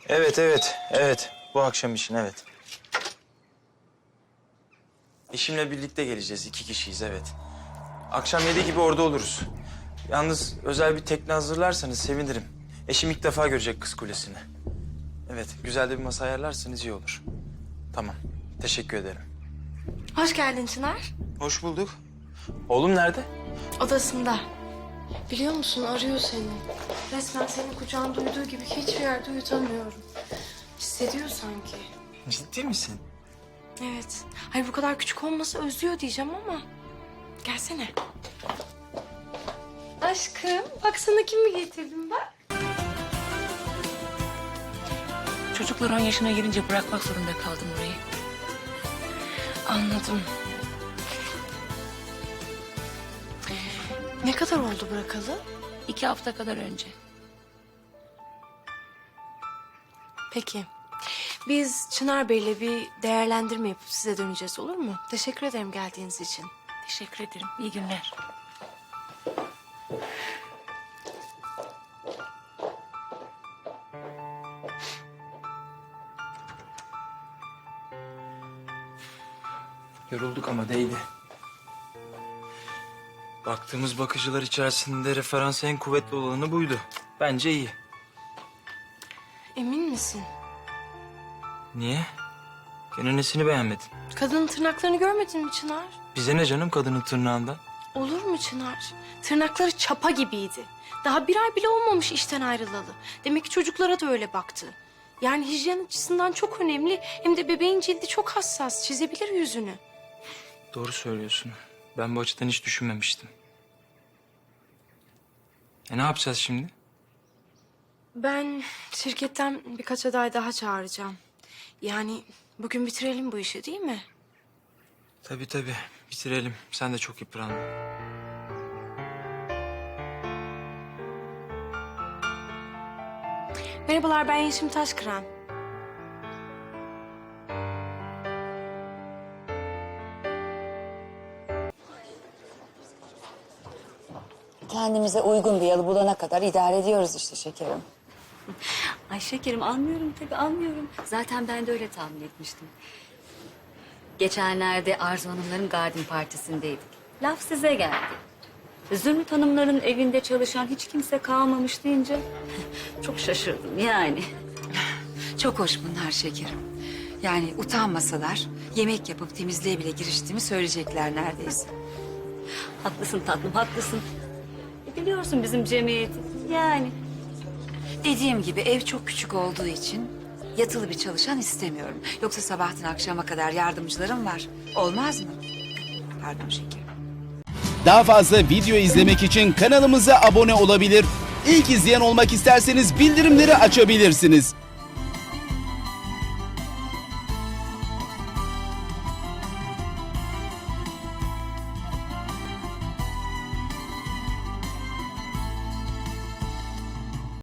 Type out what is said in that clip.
Evet. Bu akşam için evet. Eşimle birlikte geleceğiz. 2 kişiyiz evet. Akşam 7 gibi orada oluruz. Yalnız özel bir tekne hazırlarsanız sevinirim. Eşim ilk defa görecek Kız Kulesi'ni. Evet, güzel de bir masa ayarlarsanız iyi olur. Tamam, teşekkür ederim. Hoş geldin Çınar. Hoş bulduk. Oğlum nerede? Odasında. Biliyor musun arıyor seni. Resmen senin kucağında uyuduğu gibi hiçbir yerde uyutamıyorum. Hissediyor sanki. Ciddi misin? Evet. Hayır bu kadar küçük olmasa özlüyor diyeceğim ama. Gelsene. Aşkım bak sana kimi getirdim bak. Çocuklar 10 yaşına gelince bırakmak zorunda kaldım orayı. Anladım. Ne kadar oldu bırakalı? 2 hafta kadar önce. Peki. Biz Çınar Bey'le bir değerlendirme yapıp size döneceğiz olur mu? Teşekkür ederim geldiğiniz için. Teşekkür ederim. İyi günler. Yorulduk ama değdi. Baktığımız bakıcılar içerisinde referans en kuvvetli olanı buydu. Bence iyi. Emin misin? Niye? Gene nesini beğenmedin? Kadının tırnaklarını görmedin mi Çınar? Bize ne canım kadının tırnağından? Olur mu Çınar? Tırnakları çapa gibiydi. Daha bir ay bile olmamış işten ayrılalı. Demek ki çocuklara da öyle baktı. Yani hijyen açısından çok önemli. Hem de bebeğin cildi çok hassas. Çizebilir yüzünü. Doğru söylüyorsun. Ben bu açıdan hiç düşünmemiştim. Ne yapacağız şimdi? Ben şirketten birkaç aday daha çağıracağım. Yani bugün bitirelim bu işi değil mi? Tabii. Bitirelim. Sen de çok yıprandın. Merhabalar ben Yeşim Taşkıran. Kendimize uygun bir yalı bulana kadar idare ediyoruz işte şekerim. Ay şekerim anlıyorum tabii anlıyorum. Zaten ben de öyle tahmin etmiştim. Geçenlerde Arzu Hanımların garden partisindeydik. Laf size geldi. Zümrüt Hanımların evinde çalışan hiç kimse kalmamış deyince çok şaşırdım yani. Çok hoş bunlar şekerim. Yani utanmasalar yemek yapıp temizliğe bile giriştiğimi söyleyecekler neredeyse. Haklısın tatlım haklısın. Biliyorsun bizim cemiyeti yani. Dediğim gibi ev çok küçük olduğu için yatılı bir çalışan istemiyorum. Yoksa sabahtan akşama kadar yardımcılarım var. Olmaz mı? Pardon şekerim. Daha fazla video izlemek için kanalımıza abone olabilir. İlk izleyen olmak isterseniz bildirimleri açabilirsiniz.